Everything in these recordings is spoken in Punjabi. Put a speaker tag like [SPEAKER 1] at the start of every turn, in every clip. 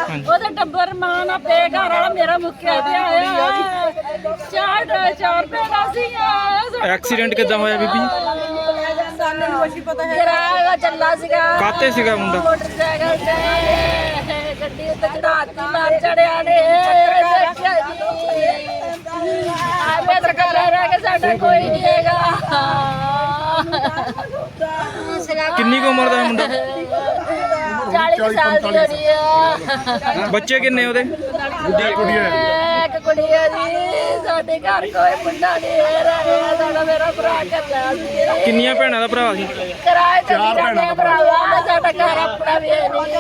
[SPEAKER 1] ਉਹਦਾ ਟੱਬਰ ਮਾਂ ਨਾ ਪੇ ਘਰ ਵਾਲਾ ਮੇਰਾ ਮੁੱਕਿਆ ਤੇ ਆਇਆ ਚਾਰ ਪੈਦਾ ਸੀਗਾ।
[SPEAKER 2] ਐਕਸੀਡੈਂਟ ਕਿੱਦਾਂ ਹੋਇਆ ਬੀਬੀ?
[SPEAKER 1] ਸਾਨੂੰ ਨਹੀਂ ਕੁਛ ਪਤਾ ਹੈ। ਕਿਰਾਇਆ ਚੱਲਾ ਸੀਗਾ।
[SPEAKER 2] ਕਾਤੇ ਸੀਗਾ ਮੁੰਡਾ?
[SPEAKER 1] ਮੋਟਰਸਾਈਕਲ ਤੇ ਗੱਡੀ ਉੱਤੇ ਚੜਾਤੀ ਮਾਰ ਚੜਿਆ ਨੇ। ਦੇਖਿਆ ਜੀ ਆਵੇ ਸਰਕਾਰ ਰਹਿ ਕੇ ਸਾਡਾ ਕੋਈ ਨਹੀਂ ਹੈਗਾ।
[SPEAKER 2] ਕਿੰਨੀ ਕੁ ਉਮਰ ਦਾ ਮੁੰਡਾ?
[SPEAKER 1] 40 ਸਾਲ ਦੀ ਹੋਣੀ ਆ।
[SPEAKER 2] ਬੱਚੇ ਕਿੰਨੇ ਉਹਦੇ?
[SPEAKER 1] ਇੱਕ ਕੁੜੀ ਹੈ ਜੀ। ਸਾਡੇ ਘਰ ਕੋਈ ਮੁੰਡਾ ਨਹੀਂ ਰਿਹਾ। ਸਾਡਾ ਮੇਰਾ ਭਰਾ ਕੱਲਾ ਸੀ।
[SPEAKER 2] ਕਿੰਨੀਆਂ ਭੈਣਾਂ ਦਾ ਭਰਾ ਸੀ?
[SPEAKER 1] ਕਿਰਾਏ ਤੇ ਰਹਿੰਦੇ ਭਰਾਵਾ। ਸਾਡਾ ਘਰ ਆਪਣਾ ਵੀ ਹੈ ਨਹੀਂ।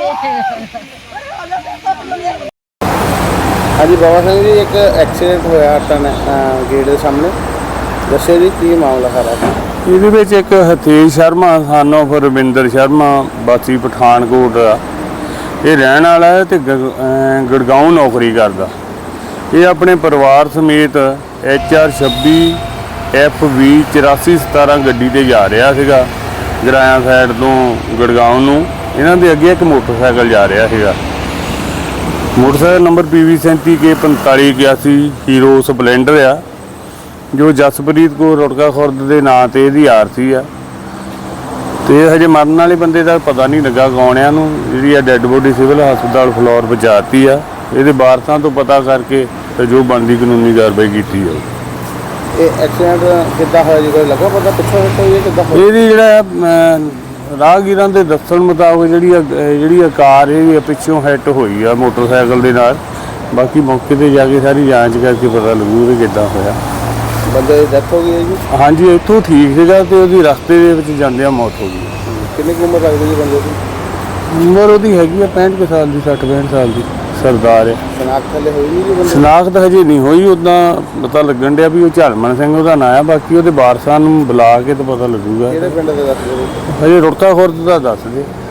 [SPEAKER 3] ਹਾਂਜੀ ਬਾਬਾ ਸਿੰਘ ਜੀ, ਇੱਕ ਐਕਸੀਡੈਂਟ ਹੋਇਆ ਗੇਟ ਦੇ ਸਾਹਮਣੇ, ਦੱਸਿਓ ਜੀ ਕੀ ਮਾਮਲਾ ਸਾਰਾ?
[SPEAKER 4] ਇਹਦੇ ਵਿੱਚ ਇੱਕ ਹਤੇਸ਼ ਸ਼ਰਮਾ ਸਾਨੂੰ ਫਿਰ ਰਵਿੰਦਰ ਸ਼ਰਮਾ ਵਾਸੀ ਪਠਾਨਕੋਟ ਦਾ ਇਹ ਰਹਿਣ ਵਾਲਾ ਹੈ ਤੇ ਗੁੜਗਾਉਂ ਨੌਕਰੀ ਕਰਦਾ। ਇਹ ਆਪਣੇ ਪਰਿਵਾਰ ਸਮੇਤ HR 26 FV 8417 ਗੱਡੀ ਤੇ ਜਾ ਰਿਹਾ ਸੀਗਾ ਜਰਾਇਆ ਸਾਈਡ ਤੋਂ ਗੁੜਗਾਉਂ ਨੂੰ। ਇਹਨਾਂ ਦੇ ਅੱਗੇ ਇੱਕ ਮੋਟਰਸਾਈਕਲ ਜਾ ਰਿਹਾ ਸੀਗਾ। Motorcycle number PV 37K4581 Hero Splendor ਆ, ਜੋ ਜਸਪ੍ਰੀਤ ਕੌਰ ਰੁੜਕਾ ਖੁਰਦ ਦੇ ਨਾਂ ਤੇ ਇਹਦੀ ਆਰਸੀ ਆ। ਤੇ ਹਜੇ ਮਰਨ ਵਾਲੇ ਬੰਦੇ ਦਾ ਪਤਾ ਨਹੀਂ ਲੱਗਾ ਕੌਣ ਆ। ਨੂੰ ਜਿਹੜੀ ਆ ਡੈੱਡ ਬੋਡੀ ਸਿਵਲ ਹਸਪਤਾਲ ਫਲੋਰ ਪਹੁੰਚਾਤੀ ਆ। ਇਹਦੇ ਵਾਰਸਾਂ ਤੋਂ ਪਤਾ ਕਰਕੇ ਤੇ ਜੋ ਬਣਦੀ ਕਾਨੂੰਨੀ ਕਾਰਵਾਈ ਕੀਤੀ ਜਾਊ।
[SPEAKER 3] ਇਹ ਐਕਸੀਡੈਂਟ ਕਿੱਦਾਂ ਹੋਇਆ ਜੀ, ਕੋਈ ਲੱਗਾ ਪਤਾ ਪਿੱਛੋਂ ਹੋਇਆ ਕਿੱਦਾਂ ਹੋਇਆ?
[SPEAKER 4] ਇਹਦੀ ਜਿਹੜਾ ਰਾਹਗੀਰਾਂ ਦੇ ਦੱਸਣ ਮੁਤਾਬਕ ਜਿਹੜੀ ਕਾਰ ਇਹ ਪਿੱਛੋਂ ਹਿੱਟ ਹੋਈ ਆ ਮੋਟਰਸਾਈਕਲ ਦੇ ਨਾਲ। ਬਾਕੀ ਮੌਕੇ ਤੇ ਜਾ ਕੇ ਸਾਰੀ ਜਾਂਚ ਕਰਕੇ ਪਤਾ ਲੱਗੂ ਵੀ ਕਿੱਦਾਂ ਹੋਇਆ।
[SPEAKER 3] ਬੰਦੇ ਦੀ ਡੈਥ ਹੋ ਗਈ ਹੈ ਜੀ?
[SPEAKER 4] ਹਾਂਜੀ, ਇੱਥੋਂ ਠੀਕ ਸੀਗਾ ਤੇ ਉਹਦੀ ਰਸਤੇ ਦੇ ਵਿੱਚ ਜਾਂਦਿਆਂ ਮੌਤ ਹੋ ਗਈ।
[SPEAKER 3] ਕਿੰਨੀ ਕੁ ਉਮਰ ਲੱਗਦੀ ਜੀ ਬੰਦੇ ਦੀ?
[SPEAKER 4] ਉਮਰ ਉਹਦੀ ਹੈਗੀ ਆ 65 ਕੁ ਸਾਲ ਦੀ, 60-65 ਸਾਲ ਦੀ। ਸਰਦਾਰ ਹੈ।
[SPEAKER 3] ਸ਼ਨਾਖਤ ਹਲੇ ਹੋਈ ਨਹੀਂ ਜੀ ਬੰਦੇ?
[SPEAKER 4] ਸ਼ਨਾਖਤ ਹਜੇ ਨਹੀਂ ਹੋਈ। ਉੱਦਾਂ ਪਤਾ ਲੱਗਣ ਡਿਆ ਵੀ ਉਹ ਝਲਮਣ ਸਿੰਘ ਉਹਦਾ ਨਾਂ ਆ। ਬਾਕੀ ਉਹਦੇ ਵਾਰਸਾਂ ਨੂੰ ਬੁਲਾ ਕੇ ਤਾਂ ਪਤਾ ਲੱਗੂਗਾ।
[SPEAKER 3] ਕਿਹੜੇ ਪਿੰਡ ਦੇ ਦੱਸ ਦਿਓ?
[SPEAKER 4] ਹਜੇ ਰੁੜਕਾ ਖੁਰਦ ਦਾ ਦੱਸ ਦੇ।